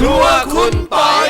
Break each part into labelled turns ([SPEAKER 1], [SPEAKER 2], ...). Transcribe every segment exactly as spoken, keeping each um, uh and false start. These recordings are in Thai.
[SPEAKER 1] รัวคุณปอย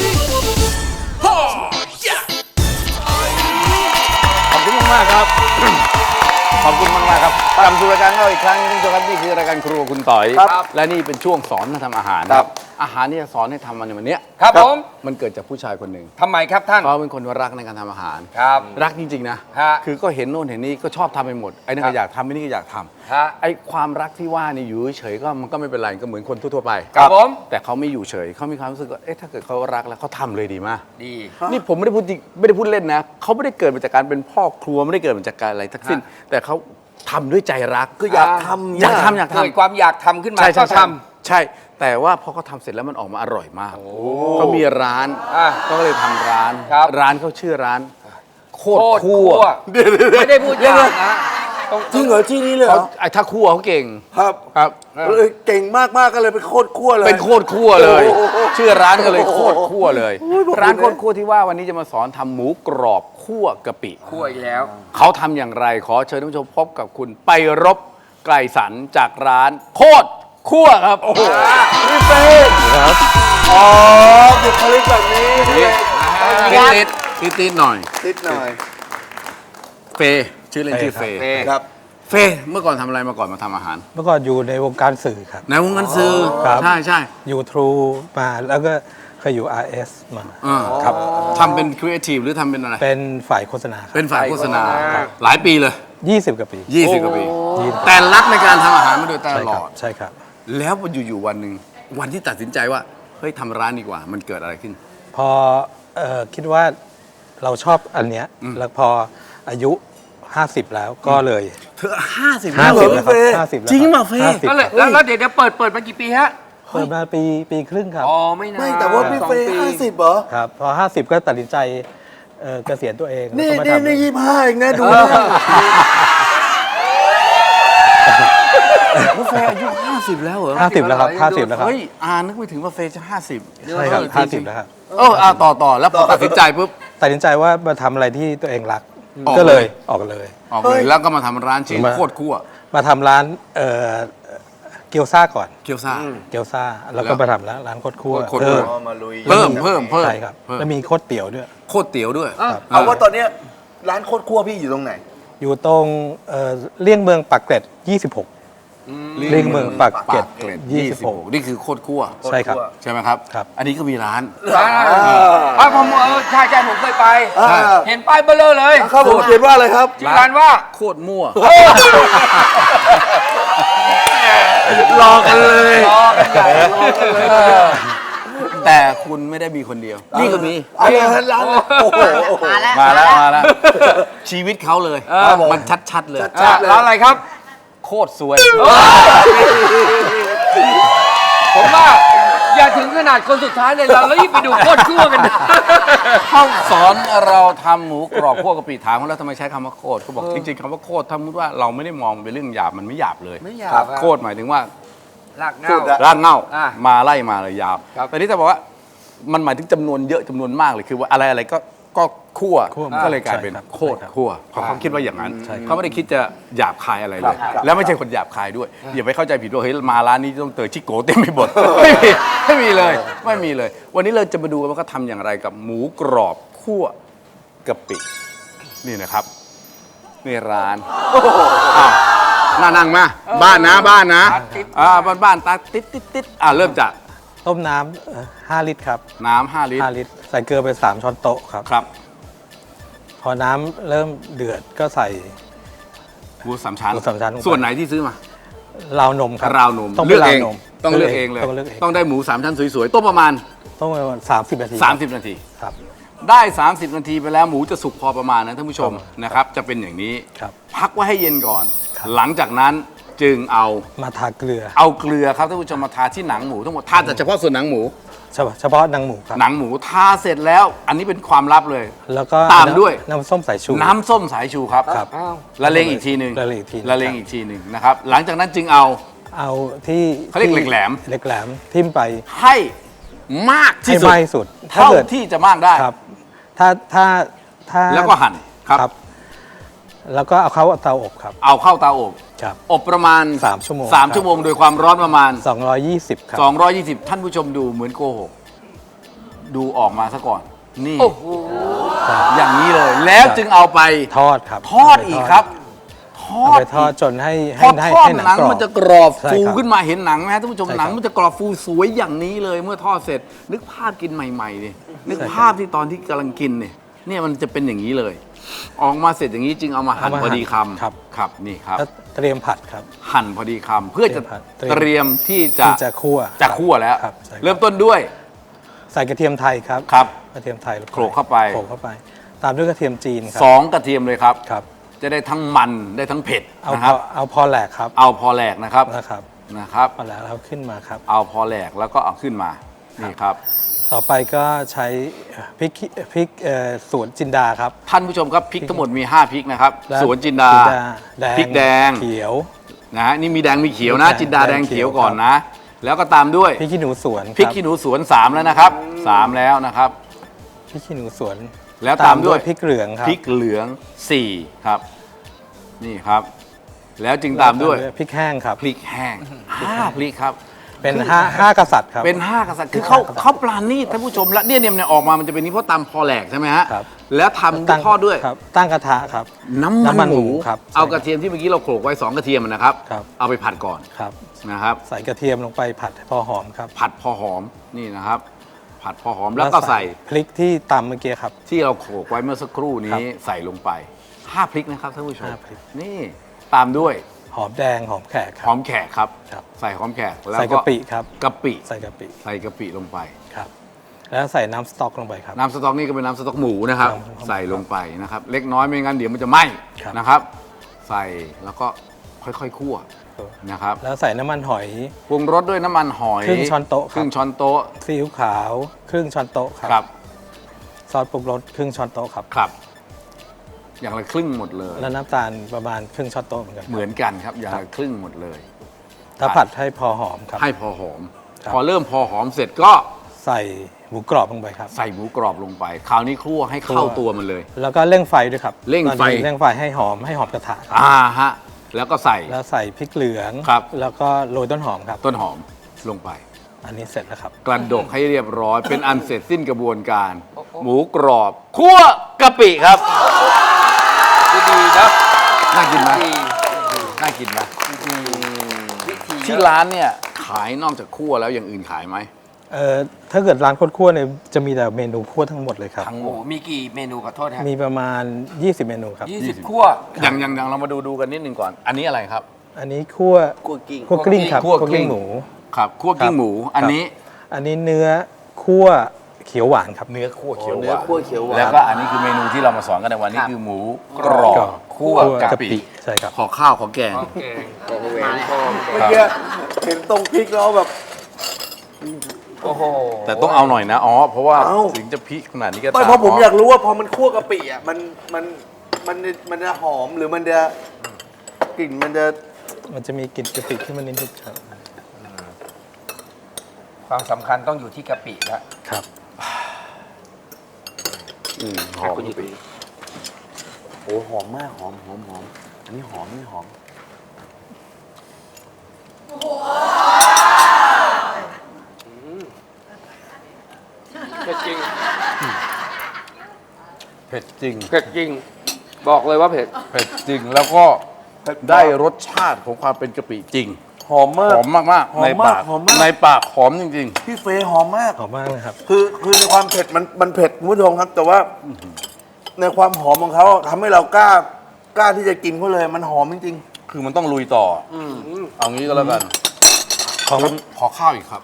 [SPEAKER 1] ขอบคุณมากครับขอบคุณมากมากครับกลับสู่รายการเราอีกครั้งนึงครับนี่คือรายการครัวคุณต่อยและนี่เป็นช่วงสอนทำอาหารครับอาหารที่จะสอนให้ทำมันในวันนี้
[SPEAKER 2] ครับผม
[SPEAKER 1] มันเกิดจากผู้ชายคนหนึ่ง
[SPEAKER 2] ทำไมครับท่าน
[SPEAKER 1] เขาเป็นคนรักในการทำอาหาร
[SPEAKER 2] ครับ
[SPEAKER 1] รักจริงๆนะคือก็เห็นโน่นเห็นนี่ก็ชอบทำไปหมดไอ้นั่นก็อยากทำไอ้นี่ก็อยากทำไอ้ความรักที่ว่านี่อยู่เฉยก็มันก็ไม่เป็นไรก็เหมือนคนทั่วๆไป
[SPEAKER 2] ครับผม
[SPEAKER 1] แต่เขาไม่อยู่เฉยเขามีความรู้สึกว่าเอ๊ะถ้าเกิดเขารักแล้วเขาทำเลยดีมาก
[SPEAKER 2] ดี
[SPEAKER 1] นี่ผมไม่ได้พูดไม่ได้พูดเล่นนะเขาไม่ได้เกิดมาจากการเป็นพ่อครัวไม่ได้เกิดมาจากการอะไรทั้งสิ้นแต่เขาทำด้วยใจรัก
[SPEAKER 3] ก็อยากทำ
[SPEAKER 1] อยากทำอยากทำ
[SPEAKER 2] เกิดความอยากทำขึ้นมา
[SPEAKER 1] ก็
[SPEAKER 2] ท
[SPEAKER 1] ำใช่แต่ว่าพอเขาทำเสร็จแล้วมันออกมาอร่อยมากเขามีร้านก็เลยทำร้านร้านเขาชื่อร้านโคตรคั่ว
[SPEAKER 2] ไม่ได้พูดยากนะ
[SPEAKER 3] จริงเหรอที่นี้เลยเหรอ
[SPEAKER 1] ไอ้ถ้าคั่วเขาเก่ง
[SPEAKER 3] ครับ
[SPEAKER 1] ครับ
[SPEAKER 3] เก่งมากๆก็เลยเป็นโคตรคั่วเลย
[SPEAKER 1] เป็นโคตรคั่วเลยชื่อร้านก็เลยโคตรคั่วเลยร้านโคตรคั่วที่ว่าวันนี้จะมาสอนทำหมูกรอบคั่วกะปิ
[SPEAKER 2] คั่วอีกแล้ว
[SPEAKER 1] เขาทำอย่างไรขอเชิญท่านผู้ชมพบกับคุณไปรบไกลสันจากร้านโคตรคั่วครับโอ้โห
[SPEAKER 3] พี่เป้ครับอ๋อเด็กคลิกแบบนี้
[SPEAKER 1] ติดติดติดติดหน่อย
[SPEAKER 3] ติดหน่อย
[SPEAKER 1] เฟชื่อเล่นชื่อเฟ
[SPEAKER 3] ครับ
[SPEAKER 1] เฟเมื่อก่อนทำอะไรมาก่อนมาทำอาหาร
[SPEAKER 4] เมื่อก่อนอยู่ในวงการสื่อครับ
[SPEAKER 1] ในวงการสื่อใช่ใช่
[SPEAKER 4] อยู่ทรูมาแล้วก็เคยอยู่ อาร์ เอส มา
[SPEAKER 1] ครับทำเป็นครีเอทีฟหรือทำเป็นอะไร
[SPEAKER 4] เป็นฝ่ายโฆษณา
[SPEAKER 1] เป็นฝ่ายโฆษณาหลายปีเลย
[SPEAKER 4] ยี่สิบกว่าปี
[SPEAKER 1] ยี่สิบกว่าปีแต่รักในการทำอาหารมาโดยตลอด
[SPEAKER 4] ใช่ครับ
[SPEAKER 1] แล้วอยู่ๆวันหนึ่งวันที่ตัดสินใจว่าเฮ้ยทำร้านดีกว่ามันเกิดอะไรขึ้น
[SPEAKER 4] พอคิดว่าเราชอบอันเนี้ยแล้วพออายุห้าสิบแล้วก็เลย
[SPEAKER 1] เธอห้าสิบ
[SPEAKER 4] ห้าสิบแล้วครับ
[SPEAKER 1] ห้าสิบจริงป่ะเฟย์
[SPEAKER 2] ก็เลยแล้วเดี๋ยวเปิดเปิดมากี่ปีฮะ
[SPEAKER 4] เปิดมาปีปีครึ่งครับ
[SPEAKER 2] อ๋อไม่นาน
[SPEAKER 3] ไม่แต่ว่าพี่เฟย์ห้าสิบเหรอ
[SPEAKER 4] ครับพอห้าสิบก็ตัดสินใจเกษียณตัวเอง
[SPEAKER 3] นี่นี่นี่ยี่ห้าเองนะดู
[SPEAKER 1] ว่าเฟย์อายุห้าสิบแล้วเหรอ
[SPEAKER 4] ห้าสิบแล้วครับห้าสิบแล้วครับ
[SPEAKER 1] เฮ้ยอ่านึกไม่ถึงว่าเฟย์จะห้าสิบ
[SPEAKER 4] ใช่ครับห้าสิบแล้วครับ
[SPEAKER 1] เอออ่าต่อต่อแล้วพอตัดสินใจปุ๊บ
[SPEAKER 4] ตัดสินใจว่ามาทำอะไรที่ตัวเองรักก็เลยออกเลย
[SPEAKER 1] ออกเลยแล้วก็มาทำร้านชื่อโคตรคั่ว
[SPEAKER 4] มาทำร้านเกี๊ยวซ่าก่อน
[SPEAKER 1] เกี๊ยวซ่า
[SPEAKER 4] เกี๊ยวซ่าแล้วก็มาทำร้านร้านโคตรคั่ว
[SPEAKER 1] เพิ่มเพิ่มเพิ่มเพิ่ม
[SPEAKER 4] ใช่ครับแล้วมีโคตรเตี๋ยวด้วย
[SPEAKER 1] โคตรเตี๋ยวด้วย
[SPEAKER 3] เอาว่าตอนนี้ร้านโคตรคั่วพี่อยู่ตรงไหน
[SPEAKER 4] อยู่ตรงเลี่ยงเมืองปากเกร็ดยี่สิบหกเลี่ยงเมืองปากเกร็ดยี่สิบหก
[SPEAKER 1] นี่คือโคตรคั่ว
[SPEAKER 4] ใช่ครับ
[SPEAKER 1] ใช่ไหมครับ
[SPEAKER 4] ครับ
[SPEAKER 1] อันนี้ก็มีร้าน
[SPEAKER 2] อ่าผมเออใช่ใช่ผมเคยไปเห็นป้ายเบลอเลย
[SPEAKER 3] ครับผมเขียนว่าอะไรครับ
[SPEAKER 2] ชื่อร้านว่า
[SPEAKER 1] โคตรมั่ว
[SPEAKER 3] รอกันเลย
[SPEAKER 2] รอกันใหญ่รอกันเลย
[SPEAKER 1] แต่คุณไม่ได้มีคนเดียวนี่ก็มี
[SPEAKER 3] อะไรร้านโอ้โห
[SPEAKER 1] มาแล้วมาแล้วมาแล้วชีวิตเขาเลยมันชัดๆเลย
[SPEAKER 2] ร้านอะไรครับ
[SPEAKER 1] โคตรสวย
[SPEAKER 2] ผมว่าอย่าถึงขนาดคนสุดท้ายเลยเราแล้วยิ่งไปดูโคตรคั่วกัน
[SPEAKER 1] เขาสอนเราทำหมูกรอบคั่วกะปิถามเขาแล้วทำไมใช้คำว่าโคตรเขาบอกจริงๆคำว่าโคตรถ้ามุติว่าเราไม่ได้มองเป็นเรื่องหยาบมันไม่หยาบเลย
[SPEAKER 2] ไม่หยาบ
[SPEAKER 1] โคตรหมายถึงว่าร
[SPEAKER 2] ากเง่าร
[SPEAKER 1] ากเง่ามาไล่มาเลยยาวแต่นี้จะบอกว่ามันหมายถึงจำนวนเยอะจำนวนมากเลยคือว่าอะไรอะไรก็ก็คั่วก็เลยกลายเป็นโคตรคั่วเขาคิดว่าอย่างนั้นเขาไม่ได้คิดจะหยาบคายอะไรเลยแล้วไม่ใช่คนหยาบคายด้วยอย่าไปเข้าใจผิดว่าเฮ้ยมาร้านนี้ต้องเตยชิโก้เต็มไปหมดไม่มีไม่มีเลยไม่มีเลยวันนี้เราจะมาดูว่าเขาทำอย่างไรกับหมูกรอบคั่วกะปินี่นะครับนี่ร้านน่านั่งมาบ้านนะบ้านนะอ่าบ้านบ้านตาติดติดติดอ่าเริ่มจาก
[SPEAKER 4] ต้มน้ำห้าลิตรครับ
[SPEAKER 1] น้ำห้าลิตร
[SPEAKER 4] ห้าลิตรใส่เกลือไปสามช้อนโต๊ะครับ
[SPEAKER 1] ครับ
[SPEAKER 4] พอน้ำเริ่มเดือดก็ใส่
[SPEAKER 1] หมูสามชั้น
[SPEAKER 4] หมูสามชั้น
[SPEAKER 1] ส่วนไหนที่ซื้อมา
[SPEAKER 4] ราวนมครับ
[SPEAKER 1] ราวนมต้องเลือกเองต้องเลือกเองเลยต้องได้หมูสามชั้นสวยๆต้มประมาณ
[SPEAKER 4] ต้มประมาณสามสิบนาที
[SPEAKER 1] สามสิบนาที
[SPEAKER 4] ครับ
[SPEAKER 1] ได้สามสิบนาทีไปแล้วหมูจะสุกพอประมาณนะท่านผู้ชมนะครับจะเป็นอย่างนี้พักไว้ให้เย็นก่อนหลังจากนั้นจึงเอา
[SPEAKER 4] มาทาเกลือ
[SPEAKER 1] เอาเกลือครับท่านผู้ชมมาทาที่หนังหมูทั้งหมดทาแต่เฉพาะส่วนหนังหมู
[SPEAKER 4] เฉพาะหนังหมูครับ
[SPEAKER 1] หนังหมูทาเสร็จแล้วอันนี้เป็นความลับเลย
[SPEAKER 4] แล้วก็
[SPEAKER 1] ตามด้วย
[SPEAKER 4] น้ำส้มสายชู
[SPEAKER 1] น้ำส้มสายชูครับ
[SPEAKER 4] ครับ
[SPEAKER 1] ละเลงอีกทีหนึ่ง
[SPEAKER 4] ละเลงอีกที
[SPEAKER 1] ละเลงอีกทีหนึ่งนะครับหลังจากนั้นจึงเอา
[SPEAKER 4] เอาที่
[SPEAKER 1] เขาเรียกเหล็กแหลม
[SPEAKER 4] เหล็กแหลมทิ่มไป
[SPEAKER 1] ให้มากที่สุด
[SPEAKER 4] ให้มากที่สุด
[SPEAKER 1] เท่าที่จะมากได้
[SPEAKER 4] ครับถ้าถ้าถ้า
[SPEAKER 1] แล้วก็หั่นครับ
[SPEAKER 4] แล้วก็เอาเข้าเตาอบครับ
[SPEAKER 1] เอาเข้าเตาอบ
[SPEAKER 4] ครับ
[SPEAKER 1] อบประมาณ
[SPEAKER 4] สามชั่วโมง
[SPEAKER 1] สาม
[SPEAKER 4] ครับ
[SPEAKER 1] ชั่วโมงโดยความร้อนประมาณ
[SPEAKER 4] สองร้อยยี่สิบครับ
[SPEAKER 1] สองร้อยยี่สิบ ท่านผู้ชมดูเหมือนโกหกดูออกมาซะก่อน นี่
[SPEAKER 2] โอ้โห
[SPEAKER 1] อย่างนี้เลย แล้วจึงเอาไป
[SPEAKER 4] ทอดครับ
[SPEAKER 1] ทอดอีกครับ ทอ
[SPEAKER 4] เอา
[SPEAKER 1] ด
[SPEAKER 4] ไปทอด
[SPEAKER 1] อีก
[SPEAKER 4] จนให้
[SPEAKER 1] พ
[SPEAKER 4] ให้
[SPEAKER 1] อ
[SPEAKER 4] ให้
[SPEAKER 1] ทอด
[SPEAKER 4] ให้หนัง
[SPEAKER 1] หนัง
[SPEAKER 4] กรอบ
[SPEAKER 1] มันจะกรอบ
[SPEAKER 4] ใช่
[SPEAKER 1] ฟู
[SPEAKER 4] ครับ
[SPEAKER 1] ขึ้นมาเห็นหนังไหมฮะท่านผู้ชม
[SPEAKER 4] ใช่ครับ
[SPEAKER 1] หนังมันจะกรอบฟูสวยอย่างนี้เลย เมื่อทอดเสร็จ นึกภาพกินใหม่ๆดินึกภาพที่ตอนที่กำลังกินเนี่ยเนี่ยมันจะเป็นอย่างนี้เลย ออกมาเสร็จอย่างนี้จึงเอามาหั่น
[SPEAKER 4] เอามา
[SPEAKER 1] พอดี
[SPEAKER 4] หั่น
[SPEAKER 1] คำ
[SPEAKER 4] ครับ
[SPEAKER 1] ครับนี่ครับ
[SPEAKER 4] แล้วเตรียมผัดครับ
[SPEAKER 1] หั่นพอดีคำเพื่อจะ
[SPEAKER 4] เตรียม
[SPEAKER 1] เตรียมที่จะ
[SPEAKER 4] ที่จะคั่ว
[SPEAKER 1] จะคั่วแล้ว
[SPEAKER 4] ครับใช่ครับ
[SPEAKER 1] เริ่มต้นด้วย
[SPEAKER 4] ใส่กระเทียมไทยครับ
[SPEAKER 1] ครับ
[SPEAKER 4] กระเทียมไทยง
[SPEAKER 1] โขลกเข้าไป
[SPEAKER 4] โขลกเข้าไป ตามด้วยกระเทียมจีนครั
[SPEAKER 1] สองกระเทียมเลยครับ
[SPEAKER 4] ครับ
[SPEAKER 1] จะได้ทั้งมันได้ทั้งเผ็ด
[SPEAKER 4] เอา
[SPEAKER 1] นะ
[SPEAKER 4] พ
[SPEAKER 1] ครั
[SPEAKER 4] อบ เอาพอแหลกครับ
[SPEAKER 1] เอาพอแหลกนะครับ
[SPEAKER 4] นะครับ
[SPEAKER 1] นะครับ
[SPEAKER 4] พอแหลกแล้วขึ้นมาครับ
[SPEAKER 1] เอาพอแหลกแล้วก็เอาขึ้นมานี่ครับ
[SPEAKER 4] ต่อไปก็ใช้พริกขี้พริกเอ่อสวนจินดาครับ
[SPEAKER 1] ท่านผู้ชมครับพริกทั้งหมดมีห้าพริกนะครับ
[SPEAKER 4] และ
[SPEAKER 1] สวนจินดา
[SPEAKER 4] แดง
[SPEAKER 1] พริกแดง
[SPEAKER 4] เขียว
[SPEAKER 1] นะฮะนี่มีแดงมีเขียวนะ
[SPEAKER 4] แดง
[SPEAKER 1] จินดาแดงเขียว
[SPEAKER 4] แดงเขียว
[SPEAKER 1] ก่อนนะ แล้วก็ตามด้วย
[SPEAKER 4] พริกขี้หนูสวน
[SPEAKER 1] พริกขี้หนูสวนสามแล้วนะครับสามแล้วนะครับ
[SPEAKER 4] พริกขี้หนูสวน
[SPEAKER 1] แล้วตามด้วย
[SPEAKER 4] พริกเหลืองครับ
[SPEAKER 1] พริกเหลืองสี่ครับ นี่ครับ แล้วจึงตามด้วย
[SPEAKER 4] พริกแห้งครับ
[SPEAKER 1] พริกแห้งห้าพริกครับ
[SPEAKER 4] เป็นห้าห้ากษัตริย์ครับ
[SPEAKER 1] เป็นห้ากษัตริย์คือเขาเขาปราณีตท่านผู้ชมและเนี่ยเนี่ยเนี่ยออกมามันจะเป็นนี้เพราะตำพอแหลกใช่ไหมฮะ
[SPEAKER 4] ครับ
[SPEAKER 1] แล้วทำทอดด้วย
[SPEAKER 4] ครับตั้งกระทะครับ
[SPEAKER 1] น้ำมัน
[SPEAKER 4] น้ำมัน
[SPEAKER 1] ห
[SPEAKER 4] หมู
[SPEAKER 1] มู
[SPEAKER 4] ครับ
[SPEAKER 1] เอา
[SPEAKER 4] ใช่
[SPEAKER 1] กระเทียมที่เมื่อกี้เราโขลกไว้สองกระเทียมนะครับ
[SPEAKER 4] ครับ
[SPEAKER 1] เอาไปผัดก่อน
[SPEAKER 4] ครับ
[SPEAKER 1] นะครับ
[SPEAKER 4] ใส่กระเทียมลงไปผัดให้พอหอมครับ
[SPEAKER 1] ผัดพอหอมนี่นะครับ ผัดพอหอมแล้วก็ใส่
[SPEAKER 4] พริกที่ตำเมื่อกี้ครับ
[SPEAKER 1] ที่เราโขลกไว้เมื่อสักครู่
[SPEAKER 4] ครั
[SPEAKER 1] นี้
[SPEAKER 4] บ
[SPEAKER 1] ใส่ลงไปห้าพริกนะครับท่านผู้ชม
[SPEAKER 4] ห้าพริก
[SPEAKER 1] นี่ตามด้วย
[SPEAKER 4] หอมแดงหอมแขกค
[SPEAKER 1] ห
[SPEAKER 4] รั
[SPEAKER 1] อบ มแขกครับ
[SPEAKER 4] ครับ
[SPEAKER 1] ใส่หอมแขกแล้ว
[SPEAKER 4] ใส่กะปิครับ
[SPEAKER 1] กะปิ
[SPEAKER 4] ใส่กะปิ
[SPEAKER 1] ใส่กะปิลงไป
[SPEAKER 4] ครับ แล้วใส่น้ำสต๊อกลงไปครับ
[SPEAKER 1] น้ำสต๊อกนี่ก็เป็นน้ำสต๊อกหมูนะครับ
[SPEAKER 4] ครับ
[SPEAKER 1] ใส่ลงไปนะครับ เล็กน้อยไม่งั้นเดี๋ยวมันจะไหม้
[SPEAKER 4] ครับ
[SPEAKER 1] นะครับ ใส่แล้วก็ค่อยๆคั่วนะครับ
[SPEAKER 4] แล้วใส่น้ำมันหอย
[SPEAKER 1] ปรุงรสด้วยน้ำมันหอย
[SPEAKER 4] ครึ่งช้อนโต๊ะครับ
[SPEAKER 1] ครึ่งช้อนโต๊ะ
[SPEAKER 4] ซีอิ๊วขาวครึ่งช้อนโต๊ะครับ
[SPEAKER 1] ครับ
[SPEAKER 4] ซอสปรุงรสครึ่งช้อนโต๊ะครับ
[SPEAKER 1] ครับ อย่างละครึ่งหมดเลย
[SPEAKER 4] แล้วน้ำตาลประมาณครึ่งช้อนโต๊ะเหมือนกันครับ
[SPEAKER 1] เหมือนกันครับ อย่างละครึ่งหมดเลย
[SPEAKER 4] ถ้าผัดให้พอหอมครับ
[SPEAKER 1] ให้พอหอม
[SPEAKER 4] ครับ
[SPEAKER 1] พอเริ่มพอหอมเสร็จก็
[SPEAKER 4] ใส่หมูกรอบลงไปครับ
[SPEAKER 1] ใส่หมูกรอบลงไป คราวนี้คั่วให้เข้า
[SPEAKER 4] คั่ว
[SPEAKER 1] ตัวมันเลย
[SPEAKER 4] แล้วก็เร่งไฟด้วยครับ
[SPEAKER 1] เร่งไฟ
[SPEAKER 4] ตอนนี้เร่งไฟให้หอมให้หอมกระทะครับ
[SPEAKER 1] อ่าฮะแล้วก็ใส่
[SPEAKER 4] แล้วใส่พริกเหลือง
[SPEAKER 1] ครับ
[SPEAKER 4] แล้วก็โรยต้นหอมครับ
[SPEAKER 1] ต้นหอมลงไป
[SPEAKER 4] อันนี้เสร็จแล้วครับ
[SPEAKER 1] กระดกให้เรียบร้อย เป็นอันเสร็จสิ้นกระบวนการ หมูกรอบคั่วกะปิครับ
[SPEAKER 2] ดีๆนะ
[SPEAKER 1] น่ากินไหม
[SPEAKER 2] ดี
[SPEAKER 1] น่ากินไหม
[SPEAKER 2] วิธี
[SPEAKER 1] ที่ร้านเนี่ยขายนอกจากคั่วแล้วอย่างอื่นขายไหม
[SPEAKER 4] เอ่อถ้าเกิดร้านโคตรคั่วเนี่ยจะมีแต่เมนูคั่วทั้งหมดเลยครับ
[SPEAKER 1] ทั้งห
[SPEAKER 2] โอ้
[SPEAKER 1] ม
[SPEAKER 2] โห
[SPEAKER 1] ด
[SPEAKER 2] มีกี่เมนูขอโทษครับ
[SPEAKER 4] มีประมาณ ยี่สิบ เมนูครับ
[SPEAKER 2] ยี่สิบคั่ว
[SPEAKER 1] อย่างอย่างอย่างเรามาดูดูกันนิดนึงก่อน อันนี้อะไรครับ
[SPEAKER 4] อันนี้คั่ว
[SPEAKER 3] กัวกิ้ง
[SPEAKER 4] คั่วกลิ้งครับ
[SPEAKER 1] คั่วกลิ้ง
[SPEAKER 4] หมู
[SPEAKER 1] ครับคั่วกิ้งหมู อันนี้
[SPEAKER 4] อันนี้เนื้อคั่วเขียวหวานครับ
[SPEAKER 1] เนื้อคั่วเขียวห
[SPEAKER 3] เนื้อ
[SPEAKER 1] วาน
[SPEAKER 3] คั่วเขียวหวาน
[SPEAKER 1] แล้วก็อันนี้คือเมนูที่เรามาสอนกันในวันนี้คือหมูกรอบคั่วกะปิ
[SPEAKER 4] ใช่ครับ
[SPEAKER 1] ขอข้าวขอแกง
[SPEAKER 2] โอเค
[SPEAKER 3] เมื่อกี้เห็นตรงพริกแล้วแบบ
[SPEAKER 2] โอ้โห
[SPEAKER 1] แต่ต้องเอาหน่อยนะ อ๋อ เพราะว่า
[SPEAKER 3] เอ้า
[SPEAKER 1] ถึงจะพริกขนาดนี้ก็
[SPEAKER 3] ไม่
[SPEAKER 1] ตาม
[SPEAKER 3] เพราะผมอยากรู้ว่าพอมันคั่วกะปิอ่ะมันมันมันมันจะหอมหรือมันจะกลิ่นมันจะ
[SPEAKER 4] มันจะมีกลิ่นกะปิขึ้นมานิดนึงครับ
[SPEAKER 2] ความสำคัญต้องอยู่ที่กะปิแล้ว
[SPEAKER 4] ครับ
[SPEAKER 1] อืมหอมกะปิ
[SPEAKER 3] โอ้หอมมากหอมหอมหอมอันนี้หอมนี่หอม
[SPEAKER 2] เผ็ดจริง
[SPEAKER 1] เผ็ดจริง
[SPEAKER 2] เผ็ดจริง บอกเลยว่าเผ็ด
[SPEAKER 1] เผ็ดจริงแล้วก็ได้รสชาติของความเป็นกะปิจริง
[SPEAKER 3] หอมมาก
[SPEAKER 1] หอมมาก
[SPEAKER 3] หอ
[SPEAKER 1] ๆ ใน
[SPEAKER 3] มมาก
[SPEAKER 1] ปาก
[SPEAKER 3] หอมมาก
[SPEAKER 1] ในปากหอมจริง
[SPEAKER 3] พี่เฟยหอมมาก
[SPEAKER 4] หอมมากเลยครับ
[SPEAKER 3] คือคือในความเผ็ดมันมันเผ็ดคุณผู้ชมครับ แต่ว่าในความหอมของเขาทำให้เรากล้ากล้าที่จะกินเขาเลยมันหอมจริง
[SPEAKER 1] ๆ คือมันต้องลุยต่ออเอางี้ก็แล้วกัน
[SPEAKER 4] ของ
[SPEAKER 1] ผมขอข้าวอีกครับ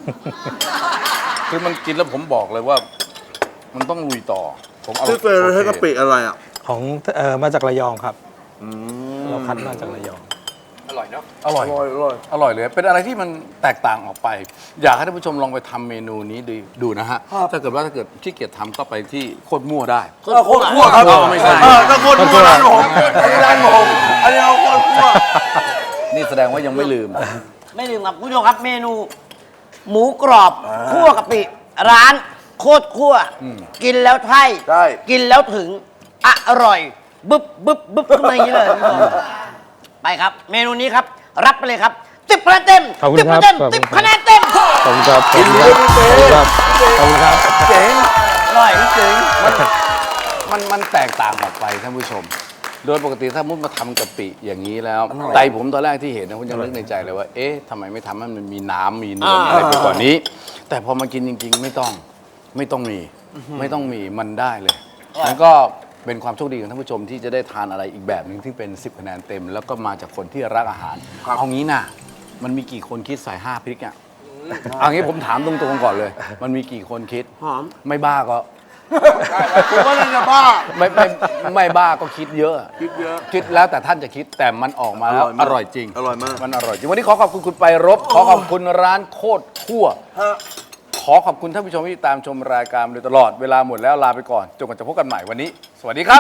[SPEAKER 1] คือมันกินแล้วผมบอกเลยว่า มันต้องลุยต่อ ผมเอา
[SPEAKER 3] ๆพี่เฟยเราใช้กะปิอะไรอ่ะ
[SPEAKER 4] ของเอ่อมาจากระยองครับ เราคัดมาจากระยอง
[SPEAKER 2] อร่อยเนาะ
[SPEAKER 1] อร่อย
[SPEAKER 3] อร่อยอร่อย
[SPEAKER 1] อร่อยเลย เป็นอะไรที่มันแตกต่างออกไป อยากให้ท่านผู้ชมลองไปทำเมนูนี้ดูดูนะฮะ ถ้าเกิดว่าถ้าเกิดขี้เกียจทำก็ไปที่โคตรมั่วได้
[SPEAKER 3] เออโคตรคั่วครับ
[SPEAKER 1] เออไม่ใช่
[SPEAKER 3] เออถ้าโคตรคั่วร้านผมอันนี้ร้านผมอันนี้เอาโคตรคั่ว
[SPEAKER 1] นี่แสดงว่ายังไม่ลืม
[SPEAKER 5] ไม่ลืมครับคุณผู้ชมครับเมนู หมูกรอบคั่วกะปิ ร้านโคตรคั่ว กินแล้วใช่
[SPEAKER 3] ใช่
[SPEAKER 5] กินแล้วถึงอร่อย บึ๊บบึ๊บบึ๊บขึ้นมาอย่างนี้เลยคุณผู้ชมไปไปครับ เมนูนี้ครับ รับไปเลยครับสิบคะแนนเต็ม
[SPEAKER 4] ขอบคุณ
[SPEAKER 5] สิบ
[SPEAKER 4] ครั
[SPEAKER 5] คะ
[SPEAKER 4] บ
[SPEAKER 5] แนน
[SPEAKER 4] ขอบคุณ
[SPEAKER 5] สิบ
[SPEAKER 4] ครับ
[SPEAKER 5] คะแนนเต็ม
[SPEAKER 4] ขอบคุณครับขอบคุณครับขอบคุณครับ
[SPEAKER 3] เจ๋ง
[SPEAKER 5] อร่อย
[SPEAKER 3] เจ๋ง
[SPEAKER 1] มันมันแตกต่างออกไปท่านผู้ชม โดยปกติถ้ามุดมาทำกะปิอย่างนี้แล้วใจผมตอนแรกที่เห็นนะผมยังนึกในใจเลยว่า เอ๊ะทำไมไม่ทำให้มันมีน้ำมีเนื้อมีอะไรไปกว่านี้ แต่พอมากินจริง ๆ ไม่ต้องไม่ต้องมีไม่ต้องมีมันได้เลยแล้วก็เป็นความโชคดีของท่านผู้ชมที่จะได้ทานอะไรอีกแบบหนึ่งที่เป็นสิบคะแนนเต็ม แล้วก็มาจากคนที่รักอาหารเอางี้นะมันมีกี่คนคิดใส่ห้าพริกอ่ะเอางี้ผมถามตรงๆก่อนเลย มันมีกี่คนคิด
[SPEAKER 5] หอม
[SPEAKER 1] ไม่บ้าก็
[SPEAKER 3] ผมว่าน่าจะบ้า
[SPEAKER 1] ไม่ไม่ไม่บ้าก็คิดเยอะ
[SPEAKER 3] คิดเยอะ
[SPEAKER 1] คิดแล้วแต่ท่านจะคิดแต่มันออกมาแล้ว
[SPEAKER 3] อร่อยมาก
[SPEAKER 1] อร่อยจริง
[SPEAKER 3] อร่อยมาก
[SPEAKER 1] มันอร่อยจริง วันนี้ขอขอบคุณคุณไปรบ ขอขอบคุณร้านโคตรคั่ว
[SPEAKER 3] ฮะ
[SPEAKER 1] ขอขอบคุณท่านผู้ชมที่ตามชมรายการมาโดยตลอดเวลาหมดแล้วลาไปก่อนจนกว่าจะพบกันใหม่วันนี้ สวัสดีครับ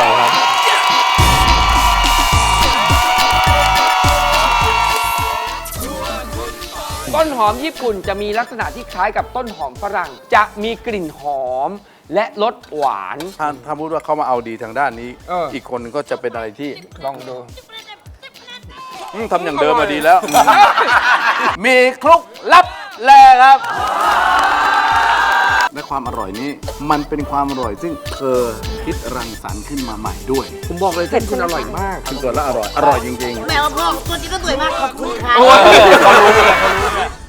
[SPEAKER 2] ต้นหอมญี่ปุ่นจะมีลักษณะที่คล้ายกับต้นหอมฝรั่ง จะมีกลิ่นหอมและรสหวาน
[SPEAKER 1] ถ้าถ้าพูดว่าเขามาเอาดีทางด้านนี้
[SPEAKER 2] เอออี
[SPEAKER 1] อีกคนนึงก็จะเป็นอะไรที่
[SPEAKER 2] ลองดู
[SPEAKER 1] อืมทำอย่างเดิมมาดีแล้ว มีคลุกลับแลครับและความอร่อยนี้มันเป็นความอร่อยซึ่งเธอคิดรังสรรค์ขึ้นมาใหม่ด้วย
[SPEAKER 2] ผมบอกเลยเส้นคุณอร่อยมาก
[SPEAKER 1] คือตัวละอร่อย อร่อยจริงๆ
[SPEAKER 5] แม่ว่าพ่อตัวจริงก็สวยมากขอบคุณค่ะ
[SPEAKER 2] โอ้ยเขารู้เลยเขารู้เลย